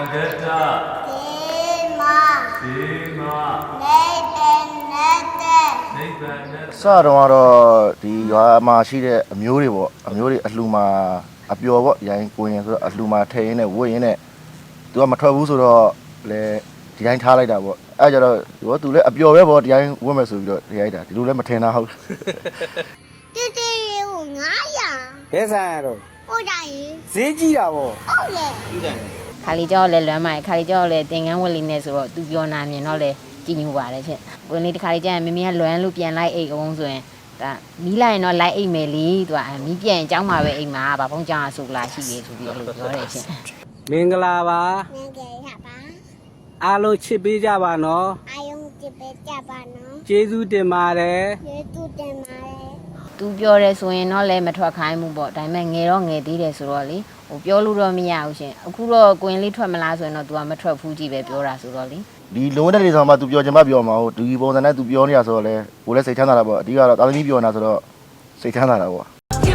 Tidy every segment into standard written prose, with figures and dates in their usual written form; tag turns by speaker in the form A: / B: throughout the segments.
A: စတော့ဒီရွာမှာရှိတဲ့အမျိုးတွေပေါ့အမျိုးတွေအလှူမှာအပျော်ပေါ့ရိုင်းကိုရင်ဆိုတော့အလှူမှာထဲရင်းနဲ့ဝတ်ရင်းနဲ့သူကမထွက်ဘူးဆိုတော့လေဒီတိုင်းထားလိုက်တာပေါ့အဲကြတော့သူလည်းအပျော်ပဲပေါ့ဒီတိုင်းဝတ်မယ်ဆိုပြီးတော့ဒီရိုက်တာဒီလိုလည်းမထင်တာဟုတ်
B: 这有900。
C: 别删了，
B: 我家人。
C: 谁记了不？
B: 好嘞。
D: ခါလီကျော်လည်းလွမ်းမိုက်ခါလီကျော်လည်းတင်ကန်းဝက်လေးနဲ့ဆိုတော့သူပြောနာမြင်တော့လေကြည်ညိုပါတယ်ချင်းဝင်လေးတစ်ခါလေးကျရင်မမေကလွမ်းလို့ပြန်လိုက်အိတ်အောင်ဆိုရင်ဒါမီးလိုက်ရင်တော့လိုက်အိတ်မယ်လေသူကမီးပြန်အเจ้าမှာပဲအိတ်မှာဗာဖုံးကြောင်ဆိုလာရှိတယ်ဆိုပြီးလို့ပြောတယ်ချင်း
C: မင်္ဂလာပါ
B: မင်္ဂလာပါ
C: အားလုံးချစ်ပေးကြပါနော်
B: အာယုံချစ်ပေးကြပါနော်
C: ကျေးဇူးတင်ပါတယ်
B: ကျေးဇူးတင်ပါတယ်
D: သူပြောတယ်ဆိုရင်တော့လည်းမထွက်ခိုင်းဘူးပေါ့ဒါပေမဲ့ငယ်တော့ငယ်သေးတယ်ဆိုတော့လေဟိုပြောလို့တော့မရဘူးရှင်အခုတော့ကိုရင်လေးထွက်မလားဆိုရင်တော့ तू ကမထွက်ဘူးကြည့်ပဲပြောတာဆိုတော့လေ
A: ဒီလုံးတဲ့လေးဆောင်မှာ तू ပြောချင်မှပြောမှာဟုတ်ဒီပုံစံနဲ့ तू ပြောနေရဆိုတော့လေကိုလည်းစိတ်ချမ်းသာတာပေါ့အဓိကတော့တာသမီပြောနေတာဆိုတော့စိတ်ချမ်းသာတာပေါ့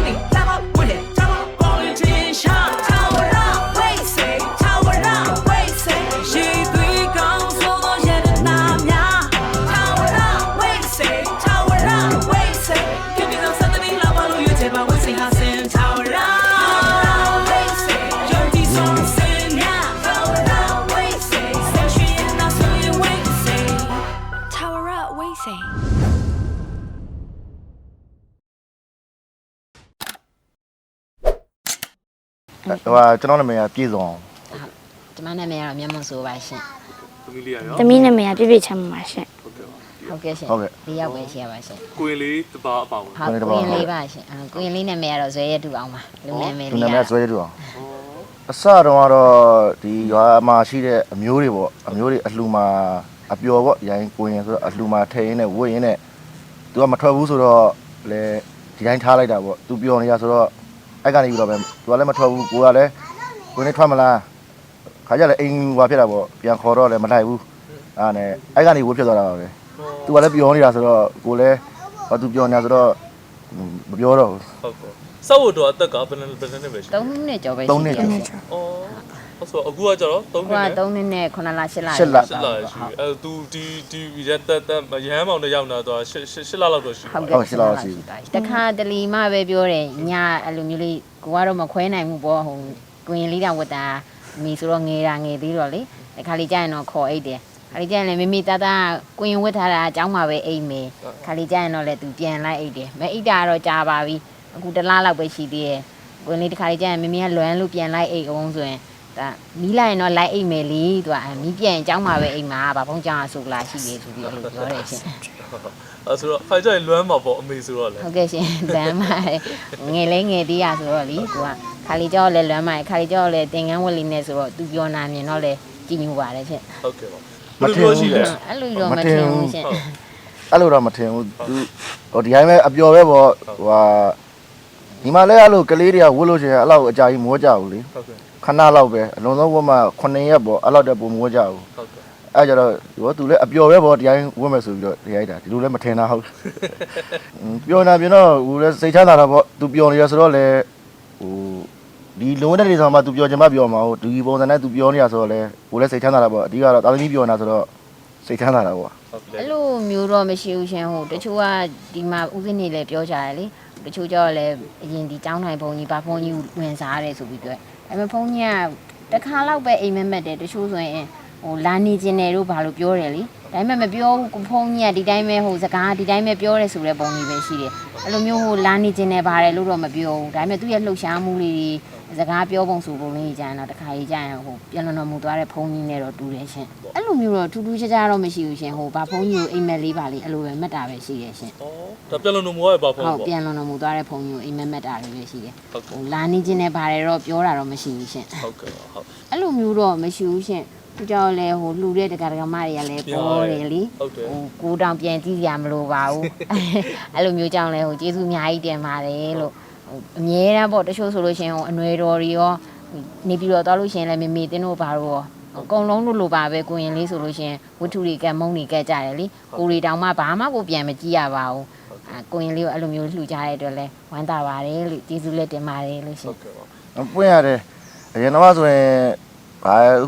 A: ဟိုကျွန်တော်နာမည်ကပြည်စုံ
D: ကျမနာမည်ကတော့မျက်မှောက်ဆိုပါရှင်
B: သမီးနာမည်ကပြည့်ပြည့်ချမ်းပါရှင်
D: ဟုတ်ကဲ့ရှင်၄ယောက်ပဲရှိရပါရှင်
E: ကိုရင်လေးတပါအပေါင်း
D: ဟုတ်ကိုရင်လေးပါရှင်ကိုရင်လေးနာမည်ကတော့ဇွဲရတူအောင်ပါလူနာမည်လေး
A: လူနာမည်ဇွဲရတူအောင်အစတော့ဒီရွာမှာရှိတဲ့အမျိုးတွေပေါ့အမျိုးတွေအလှူမှာအပျော်ပေါ့ရိုင်းကိုရင်ဆိုတော့အလှူမှာထဲရင်းနဲ့ဝတ်ရင်းနဲ့သူကမထွက်ဘူးဆိုတော့လေဒီတိုင်းထားလိုက်တာပေါ့သူပျော်နေရဆိုတော့အဲ့ကနေပြီးတော့ပဲသူကလည်းမထွက်ဘူးကိုကလည်းကိုနေထွက်မလားခါကြလည်းအိမ်ဟွာဖြစ်တာပေါ့ပြန်ခေါ်တော့လည်းမလိုက်ဘူးအဲ့နဲ့အဲ့ကနေဝတ်ဖြစ်သွားတာပါပဲသူကလည်းပျော်နေတာဆိုတော့ကိုလည်းဘာသူပျော်နေတာဆိုတော့မပြောတော့ဘူး
E: ဟုတ်ကဲ့စောက်တော့အသက်ကဘယ်နဲ့ပဲရှိ
D: 3နှစ်ကျော်ပဲရှိတယ်
E: ဩဟုတ်ဆိုအခုကကျတော့
D: 3နှစ်3နှစ်နဲ့9လ10လ
A: 8လ
E: ရှိအဲသူဒီရက်တက်ရဟန်းမောင်တရောက်လာတော့8လလောက်တော့ရှိ
D: ဟုတ်8လလောက်ရှိတခါတလီမှပဲပြောတယ်ညအဲ့လိုမျိုးလေးကိုကတော့မခွဲနိုင်ဘူးပေါ့ဟိုကိုရင်လေးတောင်ဝတ်တာမိဆိုတော့ငယ်သေးတော့လေတခါလေးကျရင်တော့ခေါ်အိတ်တယ်ခါလေးကျရင်လည်းမိမိတကိုရင်ဝတ်ထားတာအเจ้าမှာပဲအိတ်မယ်ခါလေးကျရင်တော့လည်းသူပြန်လိုက်အိတ်တယ်မအိတ်တာတော့ကြာပါပြီအခု1လလောက်ပဲရှိသေးတယ်ကိုရင်လေးတခါလေးကျရင်မိမိကလွမ်းလို့ပြန်လိုက်အိတ်အောင်ဆိုရင်ဒါမီးလိုက်ရင်တော့လိုက်အိတ်မယ်လေသူကမီးပြန်အเจ้าမှာပဲအိတ်မှာဗာဖုံးကြောင်ဆိုလာရှိတယ်ဆိုပြီးလို့ပြောတယ်ရှင်
E: အဲဆိုတော့ဖိုင်ကြရင်လွမ်းမှာပေါ့အမေဆိုတော့လေ
D: ဟုတ်ကဲ့ရှင်လွမ်းမှာငယ်လေးငယ်သေးရဆိုတော့လေသူကခါလီကျော်လည်းလွမ်းမှာခါလီကျော်လည်းတင်ကန်းဝက်လေးနဲ့ဆိုတော့သူပြောနာမြင်တော့လေကြည်ညိုပါတယ်ရှင်
E: ဟုတ်ကဲ့ပါ
A: မထင်ဘူး
D: အဲ့လိုတော့မထင်ဘူးရှင်
A: အဲ့လိုတော့မထင်ဘူးသူဟိုဒီတိုင်းပဲအပျော်ပဲပေါ့ဟိုဟာဒီမှာလည်းအဲ့လိုကလေးတွေကဝတ်လို့ရှိရင်အဲ့လောက်အကြာကြီးမိုးကြဘူးလေ
E: ဟုတ်ကဲ့
A: ခဏလောက်ပဲအလုံးစုံဝတ်မှ9ရက်ပေါ့အဲ့လောက်တည်းပုံမိုးကြဘူး
E: ဟုတ်ကဲ့
A: အဲ့ကြတော့သူလည်းအပျော်ပဲပေါ့ဒီတိုင်းဝတ်မယ်ဆိုပြီးတော့ဒီရိုက်တာဒီလိုလည်းမထင်တာဟုတ်ပျော်နေပြင်တော့ဟိုလည်းစိတ်ချမ်းသာတာပေါ့သူပျော်နေရဆိုတော့လေဟိုဒီလုံးတဲ့လေးဆောင်မှာသူပျော်ချင်မှပျော်မှာဟုတ်ဒီပုံစံနဲ့သူပြောနေရဆိုတော့လေကိုလည်းစိတ်ချမ်းသာတာပေါ့အဓိကတော့တာသမီပျော်နေတာဆိုတော့စိတ်ချမ်းသာတာပေါ့
D: အဲ့လိုမျိုးတော့မရှိဘူးရှင်ဟိုတချို့ကဒီမှာဦးစင်းနေလည်းပြောကြတယ်လေတချို့ကြောလည်းအရင်ဒီចောင်းတိုင်းဘုံကြီးဗာဖုံးကြီးဝင်စားရတယ်ဆိုပြီးပြောအဲ့မဲ့ဖုံးကြီးကတခါလောက်ပဲအိမ်မက်မက်တယ်တချို့ဆိုရင်ဟိုလာနေကျင်တယ်လို့ဘာလို့ပြောတယ်လေဒါပေမဲ့မပြောဘူးဖုံးကြီးကဒီတိုင်းပဲဟိုစကားဒီတိုင်းပဲပြောတယ်ဆိုတဲ့ပုံကြီးပဲရှိတယ်အဲ့လိုမျိုးဟိုလာနေကျင်တယ်ပါတယ်လို့တော့မပြောဘူးဒါပေမဲ့သူ့ရဲ့လှုပ်ရှားမှုလေးစကားပြောပုံဆိုပုံလေးကြရင်တော့တခါကြီးကြရင်ဟိုပြန်လွန်တော်မူသွားတဲ့ဖုံးကြီးနဲ့တော့တူတယ်ရှင်အဲ့လိုမျိုးတော့ထူးထူးခြားခြားတော့မရှိဘူးရှင်ဟိုဗာဖုံးကြီးကိုအိမ်မက်လေးပါလေအဲ့လိုပဲမှတ်တာပဲရှိတယ်ရှင်
E: ဩဒါပြန်လွန်တော်မူရဲ့ဘာဖုံး
D: ပေါ့ဟုတ်ပြန်လွန်တော်မူသွားတဲ့ဖုံးကြီးကိုအိမ်မက်မှတ်တာလေးပဲရှိတယ်ဟိုလာနေခြင်းနဲ့ပါတယ်တော့ပြောတာတော့မရှိဘူးရှင်
E: ဟုတ်ကဲ့ဟုတ်
D: အဲ့လိုမျိုးတော့မရှိဘူးရှင်သူကြောင့်လဲဟိုလှူတဲ့တက္ကရာမတွေကလည်းပေါ်တယ်လေဟိုကိုတောင်ပြန်ကြည့်ရမလို့ပါဘူးအဲ့လိုမျိုးကြောင့်လဲဟိုကျေးဇူးအများကြီးတင်ပါတယ်လို့အမြဲတမ်းပေါ့တချို့ဆိုလို့ရှင်ဟိုအနွယ်တော်တွေရောနေပြီးတော့သွားလို့ရှင်လဲမေမေတင်းတို့ဘာလို့ရောအကုန်လုံးလိုပါပဲကိုရင်လေးဆိုလို့ရှင်ဝတ္ထုတွေကမုံတွေကကြတယ်လေကိုရီတောင်မှဘာမှကိုပြန်မကြည့်ရပါဘူးကိုရင်လေးကိုအဲ့လိုမျိုးလှူကြတဲ့အတွက်လဲဝမ်းသာပါတယ်လို့ကျေးဇူးလက်တင်ပါတယ်လို့ရှင်
A: ပွင့်ရတယ်အရင်တော့ဆိုရင်ဘာအခု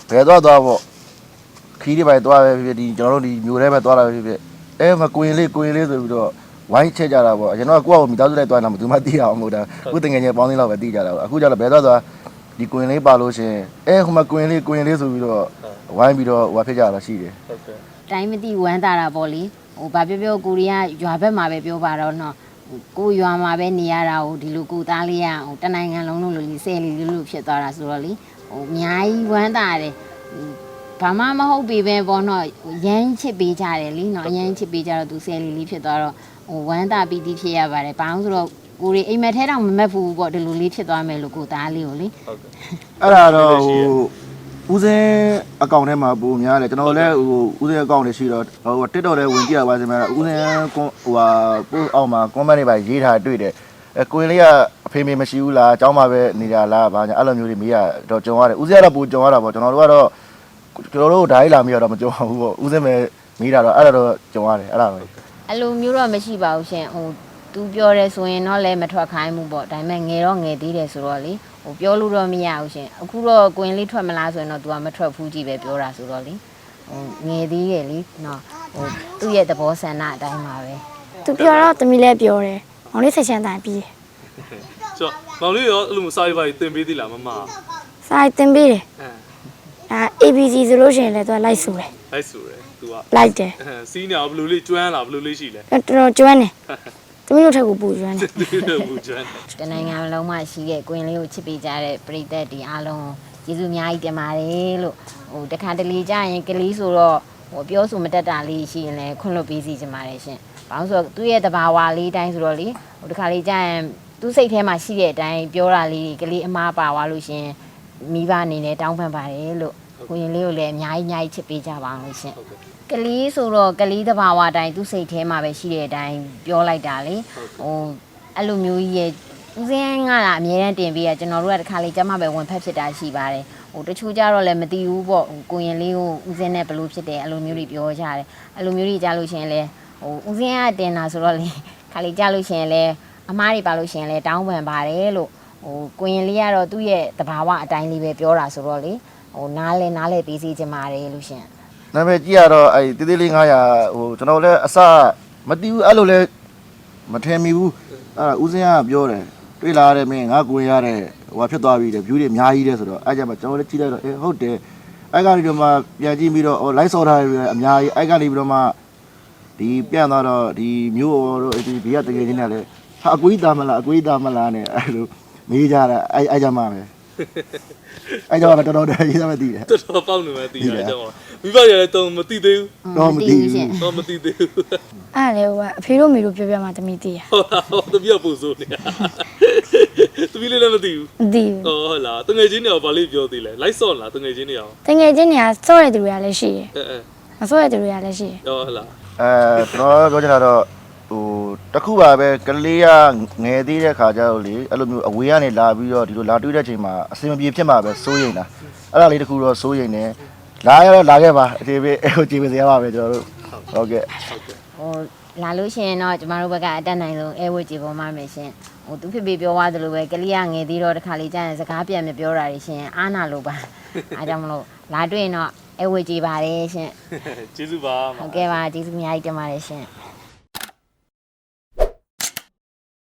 A: ဘယ်သွားပေါ့ခီးတွေပဲသွားပဲဖြစ်ဒီကျွန်တော်တို့ဒီမျိုးထဲပဲသွားတာပဲဖြစ်မကွင်လေးဆိုပြီးတော့ဝိုင်းချက်ကြတာပေါ့ကျွန်တော်ကကိုယ့်အကိုမိသားစုလိုက်သွားတာမှသူမှသိရအောင်မဟုတ်တာကိုယ်တငယ်ချင်းပေါင်းသိလောက်ပဲသိကြတာပေါ့အခုကျတော့ဘယ်သွားဒီကွင်လေးပါလို့ရှင်ဟိုမှာကွင်လေးဆိုပြီးတော့ဝိုင်းပြီးတော့ဟိုဖြစ်ကြတာရှိတယ်
E: ဟုတ်ကဲ့
D: တိုင်းမသိဝမ်းတာတာပေါ့လေဟိုဘာပြောကိုရီးယားရွာဘက်မှာပဲပြောပါတော့နော်ကိုရွာမှာပဲနေရတာဟိုဒီလိုကိုသားလေးရဟိုတနိုင်ငံလုံးလို့ဆယ်လီလို့ဖြစ်သွားတာဆိုတော့လေဟိုအများကြီးဝမ်းတာတယ်ဘာမှမဟုတ်ပြီပဲပေါ့နော်ရမ်းချစ်ပေးကြတယ်လीနော်အရမ်းချစ်ပေးကြတော့သူဆယ်လီလေးဖြစ်သွားတော့ဟိုဝမ်းတာပီတိဖြစ်ရပါတယ်ဘာလို့ဆိုတော့ကိုရီအိမ်မက်ထဲတောင်မမက်ဘူးပေါ့ဒီလိုလေးဖြစ်သွားမယ်လို့ကိုသားလေးကိုလေ
E: ဟုတ်ကဲ့
A: အဲ့ဒါတော့ဟိုဦးစင်းအကောင့်ထဲမှာပုံများတယ်ကျွန်တော်လည်းဟိုဦးစင်းအကောင့်တွေရှိတော့ဟို TikTok ထဲဝင်ကြည့်ရပါစမယ်ဦးစင်းဟိုပို့အောက်မှာ comment တွေပါရေးထားတွေ့တယ်ကိုရင်လေးကအဖေမေမရှိဘူးလားအเจ้าမှာပဲနေကြလားဘာညာအဲ့လိုမျိုးတွေမေးရတော့ကြုံရတယ်ဦးစင်းကတော့ပိုကြုံရတာပေါ့ကျွန်တော်တို့ကတော့ကျွန်တော်တို့ဓာတ်ရိုက်လာမေးရတော့မကြုံဘူးပေါ့ဦးစင်းပဲမေးတာတော့အဲ့ဒါတော့ကြုံရတယ်အဲ့ဒါပဲ
D: အဲ့လိုမျိုးတော့မရှိပါဘူးရှင်ဟိုသူပြောတယ်ဆိုရင်တော့လည်းမထွက်ခိုင်းဘူးပေါ့ဒါပေမဲ့ငယ်တော့ငယ်သေးတယ်ဆိုတော့လေဟိုပြောလို့တော့မရဘူးရှင်အခုတော့ကိုရင်လေးထွက်မလားဆိုရင်တော့ तू ကမထွက်ဘူးကြည့်ပဲပြောတာဆိုတော့လေဟိုငယ်သေးတယ်လေနော်ဟိုသူ့ရဲ့သဘောဆန္ဒအတိုင်းပါပဲ
B: သူပြောတော့သမီးလည်းပြောတယ်မောင်လေးဆက်ချမ်းတိုင်းပြီး
E: ကျော်မောင်လေးရောအဲ့လိုမျိုးစာရေးပါတင်ပေးသေးလားမမ
B: စာရိုက်တင်ပေးတယ်
E: အဲ
B: ABC ဆိုလို့ရှိရင်လည်းသူကလိုက်ဆိုတယ်
E: လိုက်ဆိုတယ် तू က
B: လိုက်တယ်
E: စီးနေအောင်ဘယ်လိုလေးကျွမ်းလားဘယ်လိုလေးရှိလဲ
B: တော်တော်ကျွမ်းတယ်သမီးတို့ထက်ကိုပူကျွမ်းတယ်
E: သူတို့ဘူးကျွမ်း
D: တနိုင်ငံလုံးမှာရှိတဲ့ကိုရင်လေးကိုချစ်ပေးကြတဲ့ပရိသတ်ဒီအားလုံးကျေးဇူးအများကြီးတင်ပါတယ်လို့ဟိုတခါတလေကြာရင်ကလေးဆိုတော့ဟိုပြောဆိုမတတ်တာလေးရှိရင်လည်းခွင့်လွှတ်ပေးစီချင်ပါတယ်ရှင်။ဘာလို့ဆိုတော့သူ့ရဲ့တဘာဝလေးတိုင်းဆိုတော့လေဟိုတခါလေးကြာရင်သူ့စိတ်ထဲမှာရှိတဲ့အတိုင်းပြောတာလေးကလေးအမားပါသွားလို့ရှင်မိဘအနေနဲ့တောင်းပန်ပါတယ်လို့ကိုရင်လေးကိုလည်းအများကြီးချစ်ပေးကြပါအောင်ရှင်။ ကလေးဆိုတော့ကလေးတဘာဝတိုင်းသူ့စိတ်ထဲမှာပဲရှိတဲ့အတိုင်းပြောလိုက်တာလေဟိုအဲ့လိုမျိုးကြီးရဲ့ဦးစင်းကလာအမြဲတမ်းတင်ပေးရကျွန်တော်တို့ကတခါလေကျမပဲဝင်ဖက်ဖြစ်တာရှိပါတယ်ဟိုတချို့ကြတော့လည်းမသိဘူးပေါ့ကိုရင်လေးကိုဦးစင်းနဲ့ဘလို့ဖြစ်တယ်အဲ့လိုမျိုးတွေပြောကြတယ်အဲ့လိုမျိုးတွေကြားလို့ရှိရင်လေဟိုဦးစင်းကတင်တာဆိုတော့လေခါလေကြားလို့ရှိရင်လေအမားတွေပါလို့ရှိရင်လေတောင်းပန်ပါတယ်လို့ဟိုကိုရင်လေးကတော့သူ့ရဲ့တဘာဝအတိုင်းလေးပဲပြောတာဆိုတော့လေဟိုနားလဲပေးစီချင်ပါတယ်လို့ရှင်
A: နာမည်ကြည့်ရတော့အဲ့တေးသေးလေး900ဟိုကျွန်တော်လည်းအစမတီးဘူးအဲ့လိုလဲမထင်မိဘူးအဲ့ဦးစင်းကပြောတယ်တွေ့လာရတယ်မင်းငါကိုရင်ရတယ်ဟိုဖြစ်သွားပြီတဲ့ view တွေအများကြီးတဲ့ဆိုတော့အဲ့ကြမှာကျွန်တော်လည်းကြည့်လိုက်တော့ဟုတ်တယ်အဲ့ကနေတော့မှပြန်ကြည့်ပြီးတော့ live ဆော်ထားတယ်အများကြီးအဲ့ကနေပြီးတော့မှဒီပြန်သွားတော့ဒီမျိုးတို့ဒီဘေးကတကယ်ချင်းနဲ့လည်းဟာအကွေးသားမလားနဲ့အဲ့လိုမေးကြတာအဲ့ကြမှာပဲအဲ့ကြမှာတော်တော်ရေးသားမသိတယ်
E: တော်တော်ပေါက်နေမှသိရတယ်ကျော်မိဘတွေလည်းတုံမသိသေးဘူး
A: တော့မသိဘူး
E: တော့မသိသေးဘူး
B: အဲ့လေဟိုကအဖေတို့မေတို့ပြောပြမှသမီးသိရ
E: ဟုတ်တပြက်ပူစိုးနေတာသမီးလေးလည်းမသိဘူး
B: မသိဘူး
E: ဟုတ်လားတငယ်ချင်းတွေရောဗာလေးပြောသေးလဲလိုက်ဆော့လားတငယ်ချင်းတွေရော
B: တကယ်ချင်းနေရာစော့တဲ့သူတွေကလည်းရှိတယ်
E: အဲ
B: မစော့တဲ့သူတွေကလည်းရှိတယ်
E: ဟုတ်လား
A: ကျွန်တော်ပြောချင်တာတော့ဟိုတခုပါပဲကလေးကငယ်သေးတဲ့ခါကျတော့လေအဲ့လိုမျိုးအဝေးကနေလာပြီးတော့ဒီလိုလာတွေ့တဲ့ချိန်မှာအစင်မပြေဖြစ်မှာပဲစိုးရိမ်တာအဲ့ဒါလေးတခုတော့စိုးရိမ်တယ်လာရတော့လာခဲ့ပါအသေးပဲဟိုကြည်ပေးစရာပါပဲကျွန်တော်တို့ဟုတ်ကဲ့
D: ဟိုလာလို့ရှိရင်တော့ကျမတို့ဘက်ကအတက်နိုင်ဆုံးအဲဝတ်ကြည်ပေါ်မှာမယ်ရှင်ဟိုသူဖြစ်ပြီးပြောသွားသလိုပဲကလေးကငယ်သေးတော့တခါလေးကြာရင်စကားပြန်မပြောတာရှင်အားနာလို့ပါအားကြောင့်မလို့လာတွေ့ရင်တော့အဲဝတ်ကြည်ပါတယ်ရှင်
E: ကျေးဇူးပါ
D: ဟုတ်ကဲ့ပါကျေးဇူးအများကြီးတင်ပါတယ်ရှင်